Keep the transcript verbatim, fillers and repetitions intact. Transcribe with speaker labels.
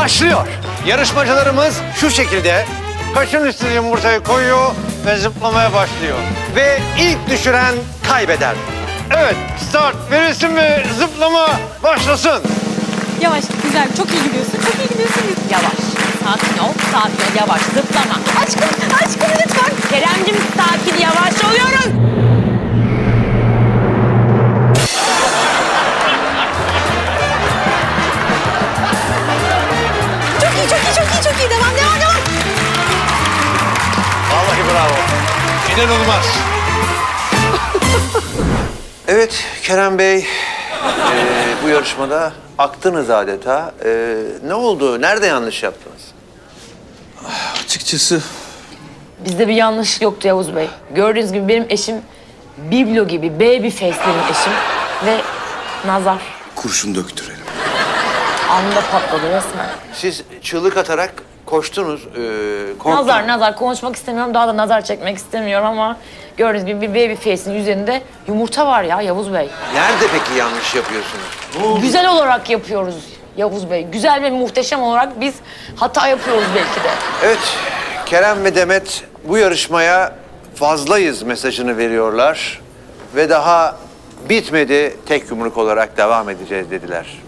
Speaker 1: başlıyor. Yarışmacılarımız şu şekilde kaşın üstüne yumurtayı koyuyor ve zıplamaya başlıyor. Ve ilk düşüren kaybeder. Evet, start verilsin mi? Zıplama başlasın.
Speaker 2: Yavaş, güzel. Çok iyi gidiyorsun. Çok iyi gidiyorsun.
Speaker 3: Yavaş. Sakin ol, sakin ol. Yavaş, zıplama.
Speaker 2: Aşkım, aşkım lütfen.
Speaker 3: Keremcim sakin, yavaş oluyoruz.
Speaker 2: Çok iyi, çok iyi, çok iyi, çok iyi. Devam, devam, devam.
Speaker 1: Vallahi bravo. İnanılmaz. Evet Kerem Bey, eee, bu yarışmada aktınız adeta. Eee, ne oldu? Nerede yanlış yaptınız?
Speaker 4: Açıkçası
Speaker 3: Bizde bir yanlış yoktu Yavuz Bey. Gördüğünüz gibi benim eşim biblo gibi, baby face benim eşim. Ve nazar
Speaker 4: kurşun döktürelim.
Speaker 3: anında patladı resmen.
Speaker 1: Siz çığlık atarak koştunuz, eee korktunuz.
Speaker 3: Nazar, nazar. Konuşmak istemiyorum, daha da nazar çekmek istemiyorum ama... Gördüğünüz gibi bir baby face'in üzerinde yumurta var ya Yavuz Bey.
Speaker 1: Nerede peki yanlış yapıyorsunuz?
Speaker 3: Güzel olarak yapıyoruz Yavuz Bey. Güzel ve muhteşem olarak biz hata yapıyoruz belki de.
Speaker 1: Evet, Kerem ve Demet bu yarışmaya fazlayız mesajını veriyorlar. Ve daha bitmedi, tek yumruk olarak devam edeceğiz dediler.